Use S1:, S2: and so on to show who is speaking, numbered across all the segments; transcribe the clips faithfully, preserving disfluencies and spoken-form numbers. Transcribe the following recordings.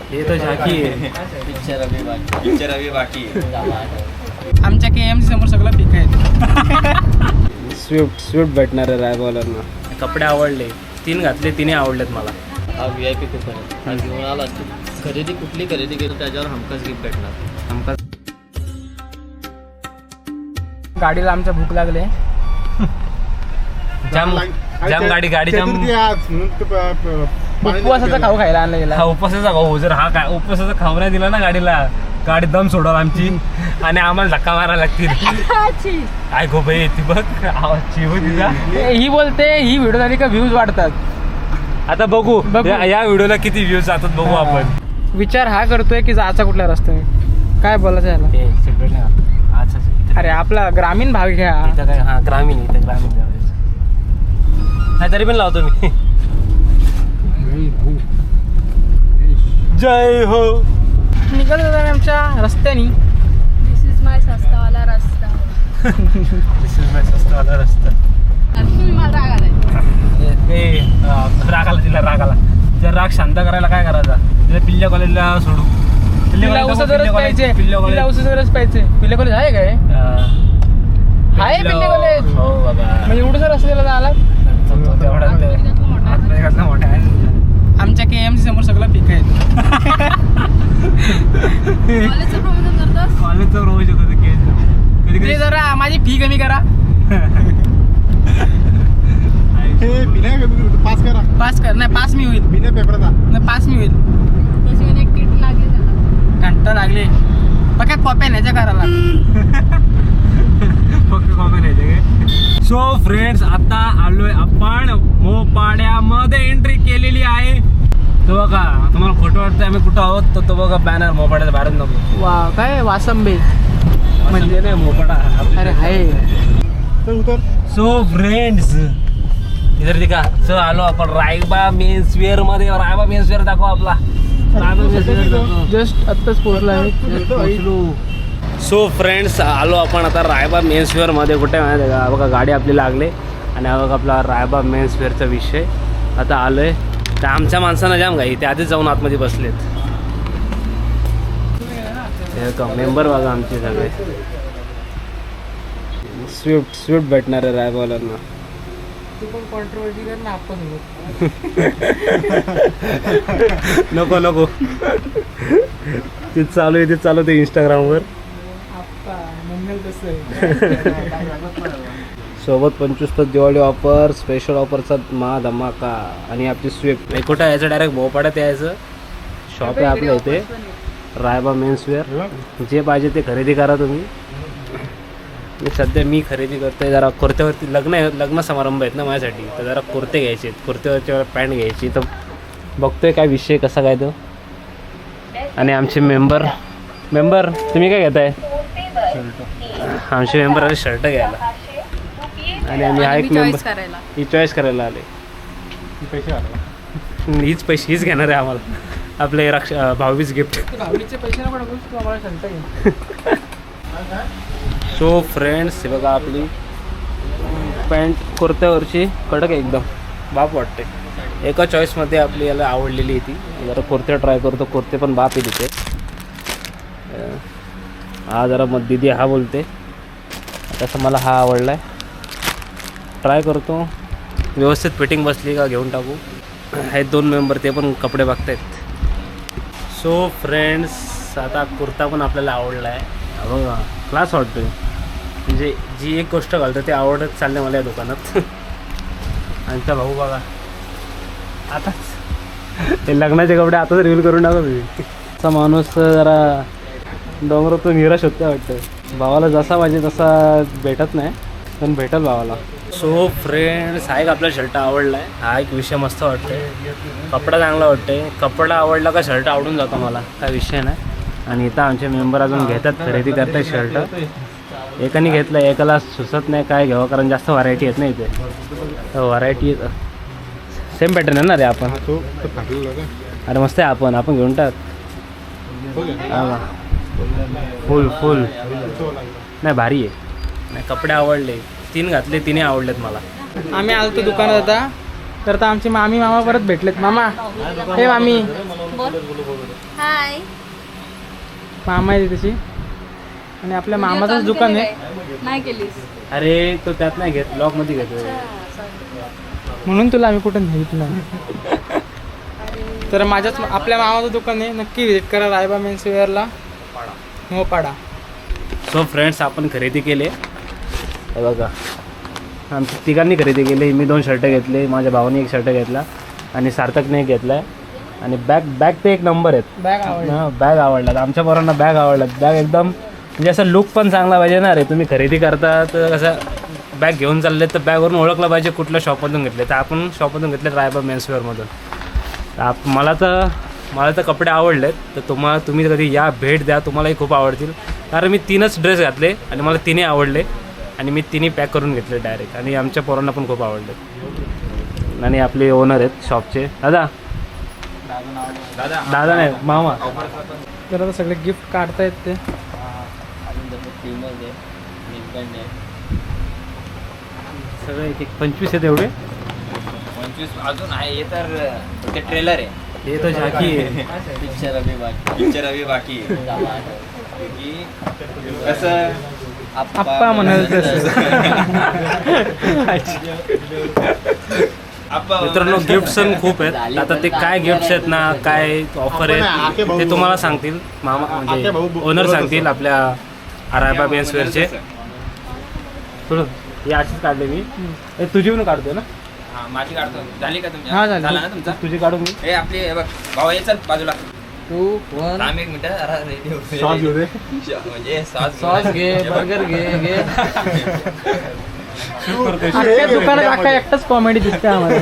S1: हे तर झाकी आहे.
S2: पिक्चर अभी बाकी पिक्चर अभी बाकी
S3: आमच्या के एम सी समोर सगळं पीक आहे.
S1: स्विफ्ट स्विफ्ट भेटणार आहे रायबॉलरना. कपडे आवडले, तीन घातले, तिने आवडलेत मला.
S2: हा व्ही आय पी कुपन आहे. हा घेऊन आला खरेदी कुठली खरेदी केली त्याच्यावर हमखास गिफ्ट भेटणार.
S1: हमखास
S3: गाडीला आमच्या भूक लागले.
S1: जाम जाम गाडी गाडी जाम.
S3: उपवासाचा खाऊ खायला आणला गेला.
S1: हा उपवासाचा खाऊ. जर हा काय उपवासाचा खाऊ नाही दिला ना गाडीला, गाडी दम सोडव आमची आणि आम्हाला धक्का मारायला लागतील. काय गो बाई ती बघ आवाज हो तिचा.
S3: ही बोलते ही व्हिडिओ झाली का व्ह्यूज वाढतात.
S1: आता बघू
S3: बघू.
S1: या या व्हिडिओला किती व्ह्यूज जातात बघू आपण.
S3: विचार हा करतोय की जायचा कुठल्या रस्त्याने, काय बोलायचं याला.
S1: ते सेपरेट ना. अच्छा
S3: अरे आपला ग्रामीण भाग घ्या.
S1: इथं काय हा ग्रामीण इथं ग्रामीण नाही तरी पण लावतो मी. जय हो.
S3: निघत होता आमच्या रस्त्यानी.
S4: दिस इज माय सस्तावाला रस्ता.
S1: दिस इज माय सस्तावाला रस्ता.
S4: तुम्ही मला राग आलाय.
S1: ते राग आला तिला, राग आला. जर राग शांत करायला काय करायचा, तिला पिल्ल्या कॉलेजला सोडू.
S3: पिल्ल्या औषधच पाहिजे. पिल्ल्या औषधच पाहिजे. पिल्ल्या कॉलेज आहे काय? आहे पिल्ल्या कॉलेज.
S1: हो बाबा.
S3: म्हणजे एवढं जर असलेलं झाला.
S1: मोठा आहे.
S3: आमच्या के एम सी समोर सगळं पीक आहे.
S4: कॉलेजचं प्रमोशन करतोस?
S1: कॉलेजचं रोज शकतो कधी
S3: ते
S1: कधी
S3: जरा माझी फी कमी करा.
S5: पास करा.
S3: पास कर. नाही पास मी होईल.
S5: बिना पेपरचा
S3: नाही पास मी होईल.
S4: तशी म्हणे एक किट लागली त्याला.
S3: घंटा लागले. बघा कॉप्या न्यायच्या करायला.
S1: फक्त कॉमेंट आहे. सो फ्रेंड्स आता आलोय आपण मोपाड्यामध्ये एंट्री केलेली आहे. तो बघा तुम्हाला फोटो वाटतोय आम्ही कुठं आहोत, तर तो बघा बॅनर मोपाड्याचा बाहेर नको.
S3: वा काय वासंबे
S1: म्हणजे नाही मोपाडा.
S3: अरे हाय.
S5: उतर.
S1: सो फ्रेंड्स इधर दिखा. सो आलो आपण रायबा मेन्स वेअर मध्ये. रायबा मेन्स वेअर दाखव आपला. रायबा मेन्स वेअर दाखव.
S3: जस्ट आत्ताच पोहोचला आहे.
S1: सो फ्रेंड्स आलो आपण आता रायबा मेन्सवेअरमध्ये. कुठे माहिती आहे का, बघा गाडी आपली लागले आणि हा बघा आपला रायबा मेन्सवेअरचा विषय. आता आलो आहे तर आमच्या माणसांना जाम घाई, ते आधीच जाऊन आतमध्ये बसलेत. हे का मेंबर बघा आमचे सगळे. स्विफ्ट स्विफ्ट भेटणार आहे रायबावाल्यांना.
S3: तू पण कॉन्ट्रोवर्सी कर ना आपण.
S1: नको नको ते चालू आहे, ते चालू आहे इंस्टाग्रामवर. सोबत पंचवीस तास दिवाळी ऑफर, स्पेशल ऑफरचा मा धमाका. आणि आपली स्विफ्ट हे कुठं यायचं, डायरेक्ट भोपाड्यात यायचं. शॉप आहे आपल्या इथे रायबा मेन्सवेअर. जे पाहिजे ते खरेदी करा तुम्ही. मी सध्या मी खरेदी करतोय जरा कुर्त्यावरती. लग्न आहे, लग्न समारंभ आहेत ना माझ्यासाठी, तर जरा कुर्ते घ्यायचे आहेत. कुर्त्यावरच्या पॅन्ट घ्यायची, तर बघतोय काय विषय कसा काय तो. आणि आमचे मेंबर मेंबर तुम्ही काय घेताय? आमचे मेंबर आले शर्ट घ्यायला. आणि आम्ही हा एक मेंबर ही चॉईस करायला आले.
S5: पैसे आले.
S1: हीच पैसे हीच घेणार आहे आम्हाला आपले रक्षा भाऊबीज गिफ्ट.
S3: भावलीचे पैसे नको टाकूस, तू आम्हाला शंट घे.
S1: सो फ्रेंड्स हे बघा आपली पॅन्ट कुर्त्यावरची कडक आहे एकदम, बाप वाटते. एका चॉईसमध्ये आपली याला आवडलेली आहे ती. जरा कुर्ते ट्राय करतो. कुर्ते पण बाप आहे तिथे. हा जरा मग दिदी हा बोलते, तसं मला हा आवडला आहे. ट्राय करतो, व्यवस्थित फिटिंग बसली का घेऊन टाकू. आहेत दोन मेंबर, ते पण कपडे बघतायत. सो फ्रेंड्स आता कुर्ता पण आपल्याला आवडला आहे. बघा क्लास वाटतो. म्हणजे जी एक गोष्ट घालतो ते आवडत चालले मला या दुकानात. आमचा भाऊ बघा आताच ते लग्नाचे कपडे आताच रिव्हील करून टाका तुम्ही. असा माणूस जरा डोंगरातून निराश होते वाटतं. भावाला जसा पाहिजे तसा भेटत नाही, पण भेटल भावाला. सो फ्रेंड्स हा एक आपला शर्ट आवडला आहे. हा एक विषय मस्त वाटतोय. कपडा चांगला वाटतोय. कपडा आवडला का शर्ट आवडून जातो मला, काय विषय नाही. आणि इथं आमचे मेंबर अजून घेतात, खरेदी करतात शर्ट. एकाने घेतलं, एकाला सुचत नाही काय घ्यावं, कारण जास्त व्हरायटी आहेत ना इथे. व्हरायटी सेम पॅटर्न आहे ना रे. आपण अरे मस्त आहे. आपण आपण घेऊन टाक. फुल फुल नाही भारी आहे. नाही कपडे आवडले, तीन घातले, तिने आवडलेत मला.
S3: आम्ही आलो तो दुकानात आता. तर आता आमची मामी मामा परत भेटलेत. मामा हे मामी
S4: हाय.
S3: मामा आहे त्याची आणि आपल्या मामाचंच दुकान आहे
S4: नाही केलीस.
S1: अरे तो त्यात नाही घेत ब्लॉग मध्ये घेतो.
S3: म्हणून तुला आम्ही कुठं नेत तर माझ्याच आपल्या मामाचं दुकान आहे. नक्की व्हिजिट करा रायबा मेन्स वेअरला मोपाडा.
S1: सो फ्रेंड्स आपण खरेदी केले हे बघा. आमच्या तिघांनी खरेदी केली. मी दोन शर्ट घेतले, माझ्या भावाने एक शर्ट घेतला आणि सार्थकने एक घेतला आहे. आणि बॅग बॅग ते एक नंबर आहेत.
S3: बॅग आवडला.
S1: हां बॅग आवडलात आमच्या पोरांना. बॅग आवडलात. बॅग एकदम म्हणजे असं लुक पण चांगला पाहिजे ना रे. तुम्ही खरेदी करता तर कसं बॅग घेऊन चालले तर बॅगवरून ओळखलं पाहिजे कुठल्या शॉपमधून घेतले. तर आपण शॉपमधून घेतले रायबा मेन्सवेअरमधून. आप मला तर मला तर कपडे आवडलेत. तर तुम्हाला तुम्ही कधी या भेट द्या, तुम्हालाही खूप आवडतील. कारण मी तीनच ड्रेस घातले आणि मला तिन्ही आवडले आणि मी तिन्ही पॅक करून घेतले डायरेक्ट. आणि आमच्या पोरांना पण खूप आवडले. आणि आपले ओनर आहेत शॉपचे दादा. दादा नाही मामा.
S3: तर आता सगळे गिफ्ट काढतायत ते.
S1: सगळे एक एक पंचवीस आहेत एवढे.
S2: पंचवीस अजून आहे हे तर ते ट्रेलर आहे.
S1: हे तर झाकी आहे.
S2: पिक्चर अभी बाकी पिक्चर अभी बाकी आहे. कसं
S3: आप्पा म्हणाल तसं.
S1: मित्रांनो गिफ्ट्स पण खूप आहेत. आता ते काय गिफ्ट्स आहेत ना, काय ऑफर आहेत ते तुम्हाला सांगतील मामा म्हणजे ओनर सांगतील आपल्या रायबा मेन्सवेअरचे. थोडं हे अशीच काढले मी. हे तुझी पण काढतोय ना.
S2: हा माझी काढतो. झाली का तुमची?
S3: हा, झाली.
S2: झाला ना तुमचा?
S1: तुझी काढून मी.
S2: हे आपली हे बघ भाऊ ये चल बाजूला.
S3: तू वन
S2: थांब एक मिनिट. अरे ready होते.
S5: शॉर्ट घेऊ दे.
S2: म्हणजे सॉस
S3: सॉस घे, बर्गर घे घे.
S1: करतोय.
S3: अख्ख्या दुकानात अख्खा एकटाच कॉमेडी दिसते आम्हाला.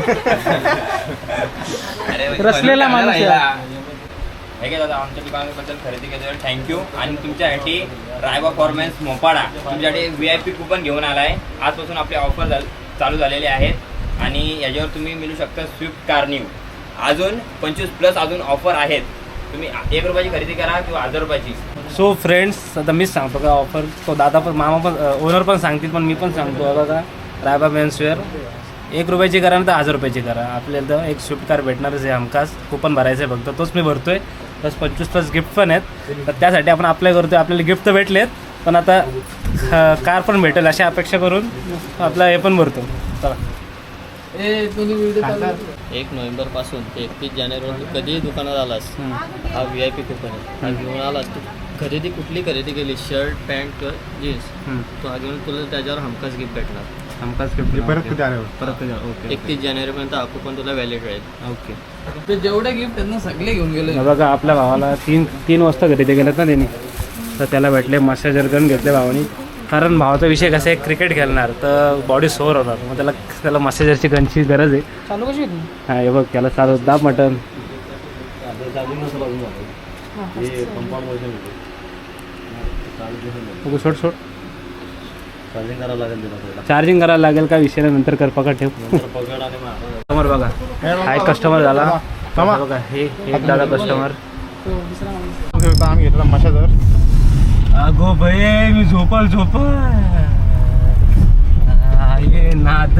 S2: अरे
S3: रसलेला माणूस आहे.
S2: हे घे दादा आमच्या दुकानाबद्दल खरेदी केल्यावर थँक्यू. आणि तुमच्यासाठी रायबा फॉर्मन्स मोपाडा तुमच्यासाठी व्ही आय पी कुपन घेऊन आला आहे. आजपासून आपले ऑफर चालू झालेले आहेत आणि याच्यावर तुम्ही मिळू शकता स्विफ्ट कार न्यू. अजून पंचवीस प्लस अजून ऑफर आहेत. तुम्ही एक रुपयाची खरेदी करा किंवा हजार रुपयाची.
S1: सो फ्रेंड्स आता मीच सांगतो का ऑफर. तो दादा पण मामा पण ओनर पण सांगतील पण मी पण सांगतो बघा. रायबा मेन्सवेअर एक रुपयाची करा ना तर हजार रुपयाची करा. आपल्याला तर एक स्विफ्ट कार भेटणारच आहे हमखास. कुपन भरायचं आहे फक्त. तोच मी भरतोय. प्लस पंचवीस प्लस गिफ्ट पण आहेत. तर त्यासाठी आपण अप्लाय करतोय. आपल्याला गिफ्ट तर भेटलेत पण आता कार पण भेटेल अशी अपेक्षा करून आपला हे पण भरतो. चला
S2: एक नोव्हेंबर पासून ते एकतीस जानेवारी कधीही दुकानात आलास हा व्ही आय पी कुपन आहे. हा घेऊन आलास तू खरेदी कुठली खरेदी केली शर्ट पॅन्ट किंवा जीन्स तो हा घेऊन तुला त्याच्यावर हमखास गिफ्ट भेटणार.
S1: हमखास गिफ्ट
S5: परत कधी आल्यावर
S1: परत ओके
S2: एकतीस जानेवारीपर्यंत हा कुपन तुला व्हॅलिड राहील.
S1: ओके.
S3: ते जेवढे गिफ्ट आहेत ना सगळे घेऊन गेले.
S1: बघा आपल्या भावाला तीन तीन वाजता खरेदी केल्यात ना त्यांनी. तर त्याला भेटले मसाजर गन घेतले भावानी. कारण भावाचा विषय कसा आहे क्रिकेट खेळणार तर बॉडी सोअर होणार. मग त्याला त्याला मसाजरची गनची गरज आहे.
S3: चालू कशी होती?
S1: हां हे बघ त्याला चालू दाब मटन. सोड सोड
S2: चार्जिंग करावं लागेल.
S1: चार्जिंग करायला लागेल का विषय नंतर कर. पकड ठेव. कस्टमर बघा हा एक कस्टमर झाला. बघा हे एक दादा कस्टमर.
S3: तो दुसरा माणूस.
S5: आम्ही घेतला मशाजर.
S1: अगो भये मी झोपल झोपल ये नाद.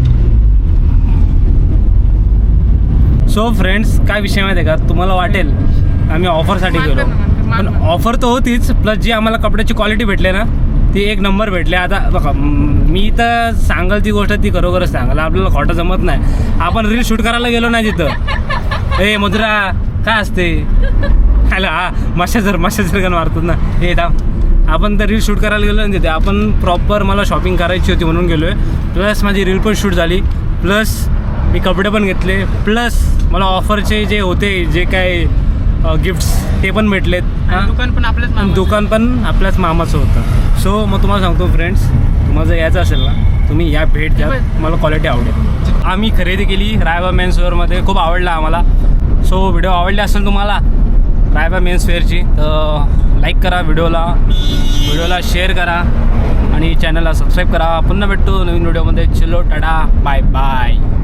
S1: सो फ्रेंड्स काय विषय माहिती आहे का तुम्हाला वाटेल आम्ही ऑफरसाठी गेलो पण ऑफर तर होतीच प्लस जी आम्हाला कपड्याची क्वालिटी भेटले ना ती एक नंबर भेटले. आता बघा मी तर सांगाल ती गोष्ट ती खरोखरच सांगाल. आपल्याला खोटं जमत नाही. आपण रील शूट करायला गेलो नाही तिथं. ए मधुरा काय असते हॅलो हा मशाजर मशाजर गन मारतात ना हे थांब. आपण तर रील शूट करायला गेलो ना तिथे. आपण प्रॉपर मला शॉपिंग करायची होती म्हणून गेलो आहे. प्लस माझी रील पण शूट झाली. प्लस मी कपडे पण घेतले. प्लस मला ऑफरचे जे होते जे काय गिफ्ट्स ते पण भेटलेत. हां
S3: दुकान पण आपल्याच मामाचं.
S1: दुकान पण आपल्याच मामाचं होतं. सो मग तुम्हाला सांगतो फ्रेंड्स तुम्हाला जर यायचं असेल ना तुम्ही या भेट द्या. मला क्वालिटी आवडेल. आम्ही खरेदी केली रायबा मेन्सवेअरमध्ये. खूप आवडला आम्हाला. सो व्हिडिओ आवडले असेल तुम्हाला रायबा मेन्सवेअरची तर लाईक करा व्हिडिओला व्हिडिओला शेअर करा आणि चॅनलला सबस्क्राईब करा. पुन्हा भेटतो नवीन व्हिडिओमध्ये. चलो टाटा बाय बाय.